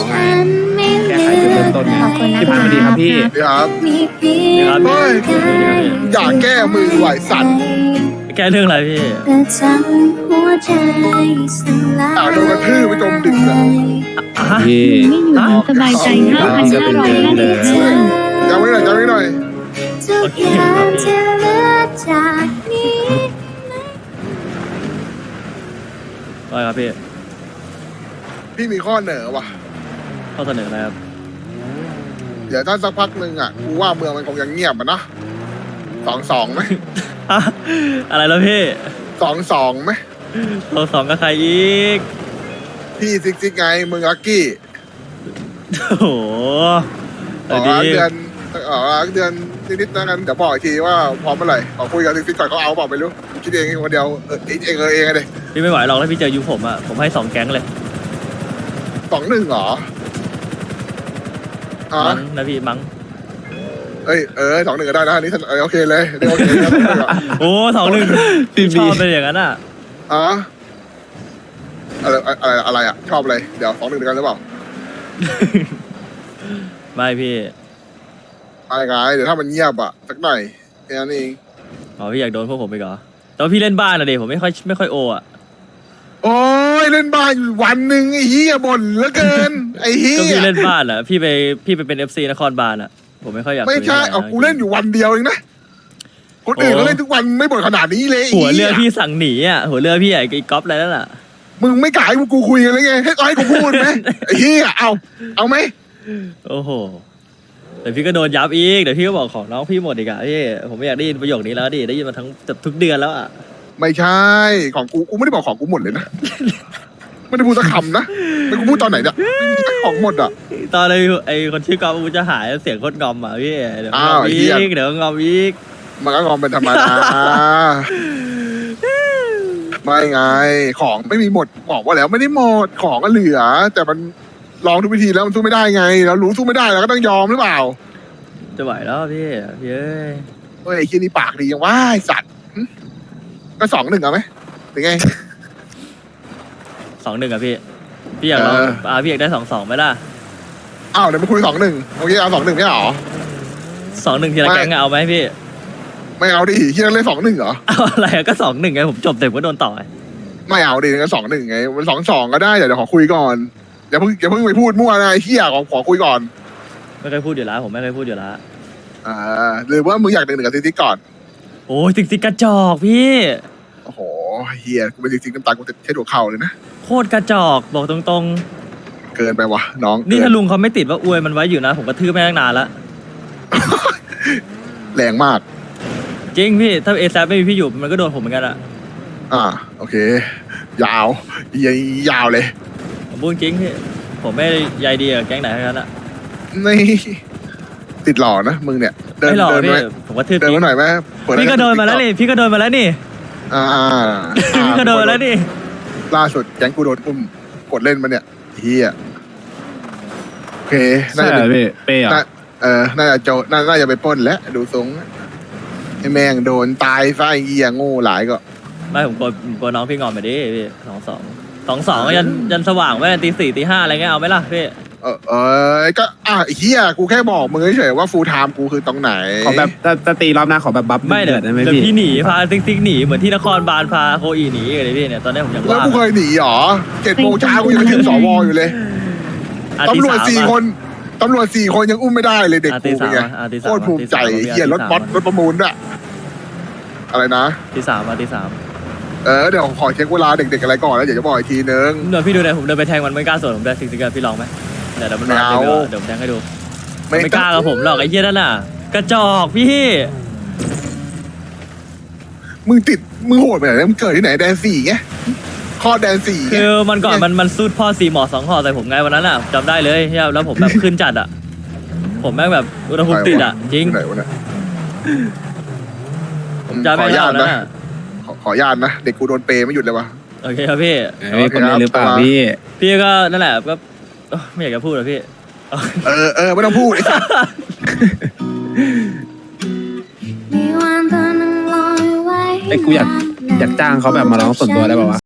ไงแก้ไขจุดเริ่มต้นไงพี่พันธ์สวัสดีครับพี่ครับครับเฮ้ยอย่าแก้มือไหวสัตว์แก้เรื่องอะไรพี่โดนกระทืบไปจมดึกอะพี่ไม่อยู่อย่างสบายใจ 5,555 จำไว้หน่อยจำไว้หน่อยโอเคครับพี่ว่าครับพี่พี่มีข้อเหนือว่ะข้อเสนออะไรครับเดี๋ยวถ้าสักพักหนึ่งอ่ะกูว่าเมืองมันคงยังเงียบอ่ะนะ2-2ไหมอะอะไรแล้วพี่ 2-2ไหมเราสองกับใครอีกพี่ซิกไงมึงลักกี้โอ้โหอ๋อดีเดือนเดือนนิดๆนะกันเดี๋ยวบอกอีกทีว่าพร้อมเมื่อไหร่ขอคุยกับซิกก่อนเขาเอาเปล่าไม่รู้คิดเองคนเดียวเองเองเลยพี่ไม่ไหวหรอกถ้าพี่เจอยุคผมอ่ะผมให้2 แก๊งเลย 2-1เหรออ๋อมั้งนะพี่มั้งเอ้ย2-1ก็ได้นะอันนี้โอเคเลยเดี๋ยวโอเคนะโอ้2-1ชอบเป็นอย่างนั้นอ่ะอ๋ออะไรอ่ะชอบเลยเดี๋ยว2-1ด้วยกันหรือเปล่าไม่พี่อะไรไงเดี๋ยวถ้ามันเงียบอ่ะสักหน่อยแค่นั้นเองอ๋อพี่อยากโดนพวกผมไปเหรอแต่ว่าพี่เล่นบ้านอะเด็ผมไม่ค่อยโออ่ะโอ้ยเล่นบ้านอยู่วันหนึ่งไอ้เหี้ยบ่นเหลือเกินไอ้เหี้ก็ยพี่เล่นบ้านอ่ะพี่ไปเป็น FC นครบาลอ่ะผมไม่ค่อยอยากไม่ใช่คุยเอาท่าไหร่กูเล่นอยู่วันเดียวเองนะคนอื่นโอ้เขาเล่นทุกวันไม่บ่นขนาดนี้เลยไหัวเรือหี้ยพี่สั่งหนีอ่ะหัวเรือพี่ไอ้ก๊อฟอะไรนั่นแหละมึงไม่กล้าให้กูคุยกันเลยไงให้กูพูดไหมไอ้เหี้ยเอาไหมโอ้โหแต่พี่ก็โดนยับอีกเดี๋ยวพี่ก็บอกของน้องพี่หมดอีกอ่ะพี่ผมไม่อยากได้ยินประโยคนี้แล้วดิได้ยินมาทุกเดือนแล้วอ่ะไม่ใช่ของกูไม่ได้บอกของกูหมดเลยนะไม่ได้พูดสักคำนะแล้วกูพูดตอนไหนเนี่ยไม่มีของหมดอ่ะตอนไอ้คนชื่อกอฟกูจะหายเสียงโคตรงอมอ่ะพี่เดี๋ยวงอ้าอวมไอ้อีเหี้ยกเดี๋ยวงอมอีกมันก็งอมเป็นธรรมดา ไม่ไง ของไม่มีหมดบอกว่าแล้วไม่ได้หมดของก็เหลือ แต่มันลองทุกวิธีแล้วมันสู้ไม่ได้ไงเรารู้สู้ไม่ได้เราก็ต้องยอมหรือเปล่าจะไหวแล้วพี่เอ้ยเฮ้ยไอ้ขี้ยนี่ปากดียังว่าไอ้สัตว์หึก็2-1เอาไหมถึงไง 2-1อ่ะพี่อยากลอง พี่อยากได้2-2ไหมล่ะอ้าวเดี๋ยวมาคุย2-1โอเคเอา2-1ไม่เหรอ 2-1ทีละแก๊งอะเอาไหมพี่ไม่เอาดิที่นั่นเล่น2-1เหรอเอาอะไรอะก็2-1ไงผมจบเต็มก็โดนต่อไงไม่เอาดิงั้น2-1ไงมัน2-2ก็ได้เดี๋ยวขอคุยก่อนอย่าเพิ่งไปพูดมั่วนะไอ้เหี้ยขอคุยก่อนไม่เคยพูดอยู่แล้วผมไม่เคยพูดอยู่แล้วหรือว่ามึงอยาก1-1กับซิกก่อนโอ้ยติ๊กกระจอกพี่โอ้โหเฮียกูเป็นซิกน้ำตากูจะเช็ดหัวเข่าเลยนะโคตรกระจอกบอกตรงเกินไปว่ะน้องๆนี่เกิถ้าลุงเขาไม่ติดว่าอวยมันไว้อยู่นะ ผมกระทืบแม่งนานละแรงมากจริงพี่ถ้าเอซไม่มีพี่อยู่มันก็โดนผมเหมือนกันอะโอเค ยาวยาวเลยผมพูดจริงพี่ผมไม่ใยดีกับแก๊งไหนทั้งนั้นอะนี่ติดหล่อนะมึงเนี่ยเดินไม่หรอกเดินพี่ไปผมกระทืบเดินจริมาง หน่อยไหมเปิพี่ก็โดนมาแล้วนี่พี่ก็โดนมาแล้วนี่ พี่ก็โดนมาแล้วนี่ล่าสุดแก๊งกูโดนอุ้มกดเล่นมาเนี่ยเฮียโอเคน่าใช่จะเหรอเป็นพี่เป้เหรอน่าจะน่าจะไปปล้นแล้วดูทรงไอ้แม่งโดนตายไฟเฮียโง่หลายก็ไม่ผมกลัวน้องพี่งอนไปดิพี่2-2ยันสว่างไว้ตี 4ตี 5อะไรเงี้ยเอาไหมล่ะพี่ก็ไอ้เฮียกูแค่บอกมึงเฉยๆว่าฟูลไทม์กูคือตรงไหนขอแบบถ้าตีรอบหน้าขอแบบบัฟไม่เดืเดี๋ยอดได้ไหมวพี่พี่หนีพาซิกหนีเหมือนที่นครบาลพาโคอีหนีเลยพี่เนี่ยตอนนี้ผมยังแล้วว่ากูเคยหนีหรอ7 โมงเช้ากูยังถึงสวอยู่เลยตำรวจ4 คนตำรวจ4 คนยังอุ้มไม่ได้เลยเด็กกูเป็นไงโคตรภูมิใจเฮียรถบัสรถประมูลด้วยอะไรนะตี 3ตี 3 เดี๋ยวขอเช็คเวลาเด็กๆอะไรก่อนแล้วเดี๋ยวจะบอกอีกทีนึงเดี๋ยวพี่ดูหน่อยผมเดินไปแทงมันไม่กล้าสวนผมได้ซิกกันพี่ลองไหมเดี๋ยวมันมาไม่เอาเดี๋ยวผมแทงให้ดูไม่กล้ากับผมหรอกไอ้เหี้ยนั่นน่ะกระจอกพี่มึงโหดไปไหนมึงเกิดที่ไหนแดน4ไงข้อแดน4 คือมันก่อนมันสู้พ่อ4 หมอ2 ห่อใส่ผมไงวันนั้นอ่ะจำได้เลยแล้วผมแบบขึ้นจัดอ่ะผมแม่งแบบอุณหภูมิติดอ่ะจริงไหนวะเนี่ยผมจำไม่ได้แล้วนะขออนุญาตนะเด็กกูโดนเปย์ไม่หยุดเลยวะโอเคครับพี่คนนี้หรือเปล่าพี่พี่ก็นั่นแหละก็ไม่อยากจะพูดหรอกพี่ไม่ต้องพูดไอ้สัสไอ้กูอยากจ้างเขาแบบมาร้องส่วนตัวได้ป่าวะ